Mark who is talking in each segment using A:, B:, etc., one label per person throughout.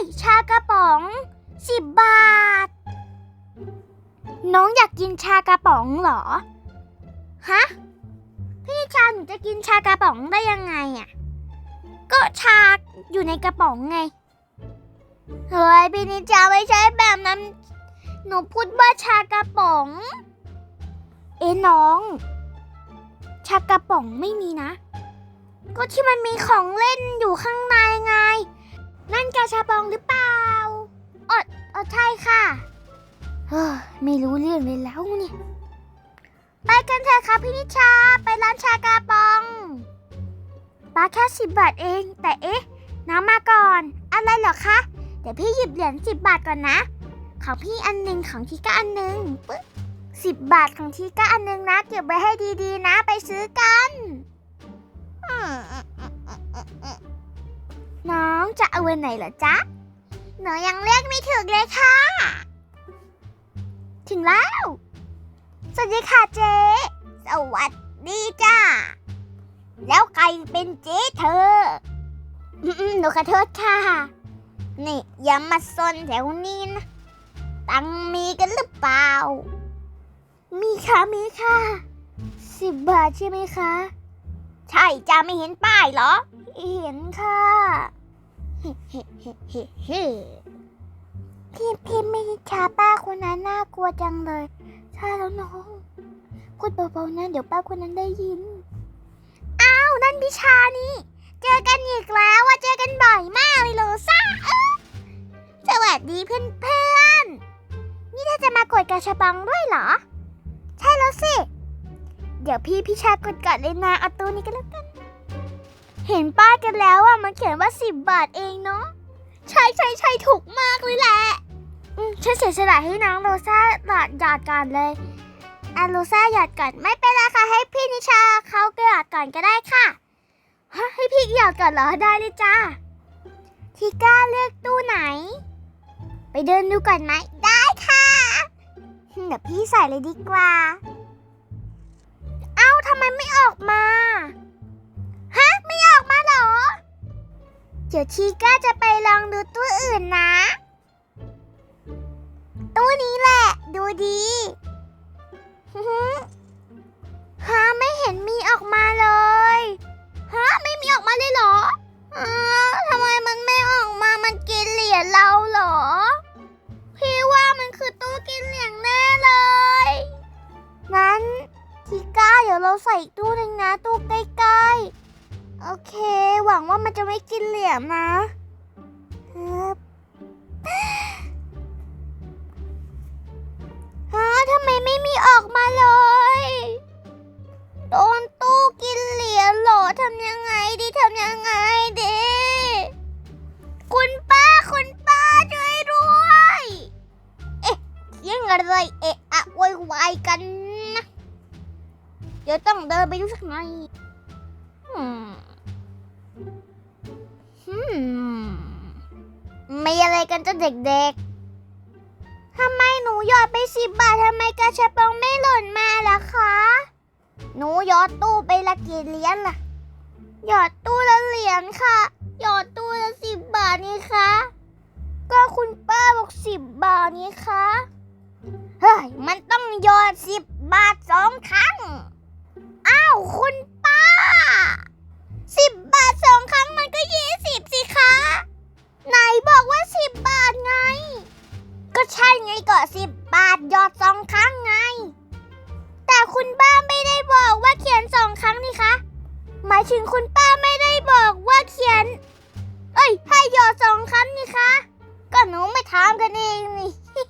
A: ชากระป๋อง10 บาทน้องอยากกินชากระป๋องเหรอฮะพี่ชาหนูจะกินชากระป๋องได้ยังไงอ่ะก็ชาอยู่ในกระป๋องไงเฮ้ยพี่นิชาไม่ใช่แบบนั้นหนูพูดว่าชากระป๋องน้องชากระป๋องไม่มีนะก็ที่มันมีของเล่นอยู่ข้างในไงนั่นกาชาปองหรือเปล่าใช่ค่ะไม่รู้เรื่องเลยแล้วเนี่ยไปกันเถอะค่ะพี่นิชาไปร้านชากาปองป้าแค่10 บาทเองแต่น้ำมาก่อนอะไรเหรอคะเดี๋ยวพี่หยิบเหรียญ10 บาทก่อนนะของพี่อันหนึ่งของทีก้าอันหนึ่งปึ๊บ10 บาทของทีก้าอันหนึ่งนะเก็บไว้ให้ดีๆนะไปซื้อกันน้องจะเอาวันไหนเหรอจ๊ะหนูยังเรียกไม่ถูกเลยค่ะถึงแล้วสวัสดีค่ะเจ๊สวัสดีจ้าแล้วใครเป็นเจ๊เธอหนูขอโทษค่ะนี่อย่ามาซนแถวนี้นะตังมีกันหรือเปล่ามีค่ะ10 บาทใช่ไหมคะใช่จ้าไม่เห็นป้ายเหรอเห็นค่ะพี่ไม่ช้าป้าคนนั้นน่ากลัวจังเลยใช่แล้วน้องพูดเบาๆนะเดี๋ยวป้าคนนั้นได้ยินอ้าวนั่นพิชานี่เจอกันอีกแล้วว่าเจอกันบ่อยมากเลยโลซ่าสวัสดีเพื่อนๆนี่ถ้าจะมากดกระชับปังด้วยเหรอใช่แล้วสิเดี๋ยวพี่พิชากดก่อนเลยนะเอาตัวนี้กันแล้วกันเห็นป้ายกันแล้วมันเขียนว่า10 บาทเองเนาะใช่ถูกมากเลยแหละฉันเสียสละให้น้องโรซ่าหยอดก่อนเลยโรซ่าหยอดก่อนไม่เป็นไรค่ะให้พี่นิชาเขาหยอดก่อนก็ได้ค่ะให้พี่หยอดก่อนเหรอได้เลยจ้าทีก้าเลือกตู้ไหนไปเดินดูก่อนไหมได้ค่ะเดี๋ยวพี่ใส่เลยดีกว่าเอ้าทำไมไม่ออกมาไม่ออกมาเหรอเดี๋ยวทีก้าจะไปลองดูตู้อื่นนะตู้นี้แหละดูดีไม่เห็นมีออกมาเลยไม่มีออกมาเลยเหรอทำไมมันไม่ออกมามันกินเหรียญเราเหรอพี่ว่ามันคือตู้กินเหรียญแน่เลยงั้นทีก้าเดี๋ยวเราใส่ตู้หนึ่งนะตู้ใกล้ๆโอเคหวังว่ามันจะไม่กินเหรียญนะทำไมไม่มีออกมาเลยโดนตู้กินเหรียญเหรอทำยังไงดีคุณป้าช่วยด้วยยังอะไรโวยวายกันนะเดี๋ยวต้องเดินไปดูสักหน่อยไม่อะไรกันจ้ะเด็กๆทำไมหนูหยอดไป10 บาททำไมกระชับปองไม่หล่นมาล่ะคะหนูหยอดตู้ไปละกี่เหรียญล่ะหยอดตู้ละเหรียญค่ะหยอดตู้ละ10 บาทนี่คะก็คุณป้าบอก10 บาทนี่คะเฮ้ยมันต้องหยอด10 บาท2 ครั้งอ้าวคุณป้า10 บาท2 ครั้งมันก็20สิคะไหนบอกว่า10 บาทไงก็ใช่ไงก็10 บาทหยอด2 ครั้งไงแต่คุณป้าไม่ได้บอกว่าเขียน2 ครั้งนี่คะหมายถึงคุณป้าไม่ได้บอกว่าเขียนให้หยอด2 ครั้งนี่คะก็หนูไม่ถามกันเองนี่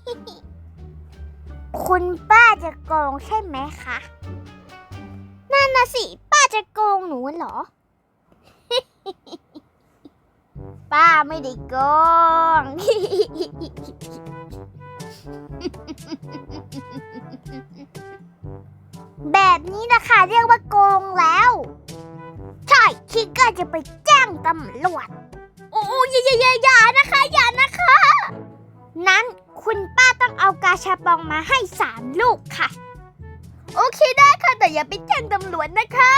A: คุณป้าจะโกงใช่ไหมคะนั่นน่ะสิป้าจะโกงหนูเหรอ ป้าไม่ได้โกง แบบนี้นะคะเรียกว่าโกงแล้วใช่คิดก็จะไปแจ้งตำรวจโอ้อย่านะคะนั้นคุณป้าต้องเอากาชาปองมาให้3 ลูกค่ะโอเคได้ค่ะแต่อย่าไปแจ้งตำรวจนะคะ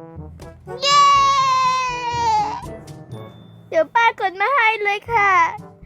A: เย้เดี๋ยวป้ากดมาให้เลยค่ะ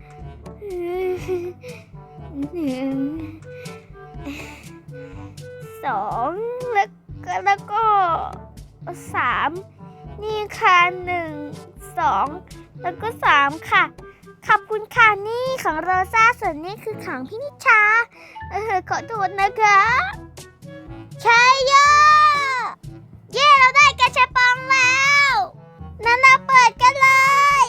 A: สองแล้วก็สามนี่ค่ะหนึ่งสองแล้วก็สามค่ะขอบคุณค่ะนี่ของโรซ่าส่วนนี้คือของพี่นิชาขอโทษนะคะใช่ย่อเย้เราได้กระชับปองแล้วนั่นเราเปิดกันเลย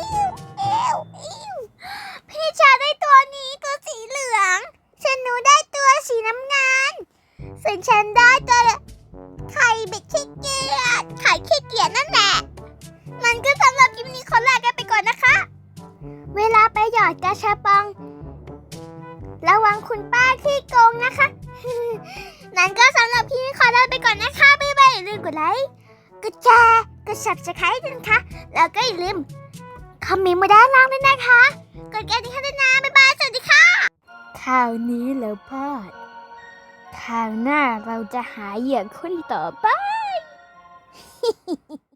A: พี่นิชาได้ตัวนี้ตัวสีเหลืองฉันหนูได้ตัวสีน้ำเงินส่วนฉันได้ตัวไข่เบ็ดขี้เกียจไข่ขี้เกียจนั่นแหละมันก็สำหรับคลิปนี้ขอลากันไปก่อนนะคะเวลาไปหยอดกระชับปองระวังคุณป้าขี้โกงนะคะ นั้นก็สำหรับคลิปนี้ขอลาไปก่อนนะคะบ๊ายบายอย่าลืมกดไลค์กดแชร์กด Subscribe ด้วยนะคะแล้วก็อย่าลืมคอมเมนต์มาด้านล่างด้วยนะคะกดกระดิ่งให้ด้วยนะบ๊ายบายสวัสดีค่ะข่าวนี้แล้วพลาดคราวหน้าเราจะหาเหยื่อคนต่อไป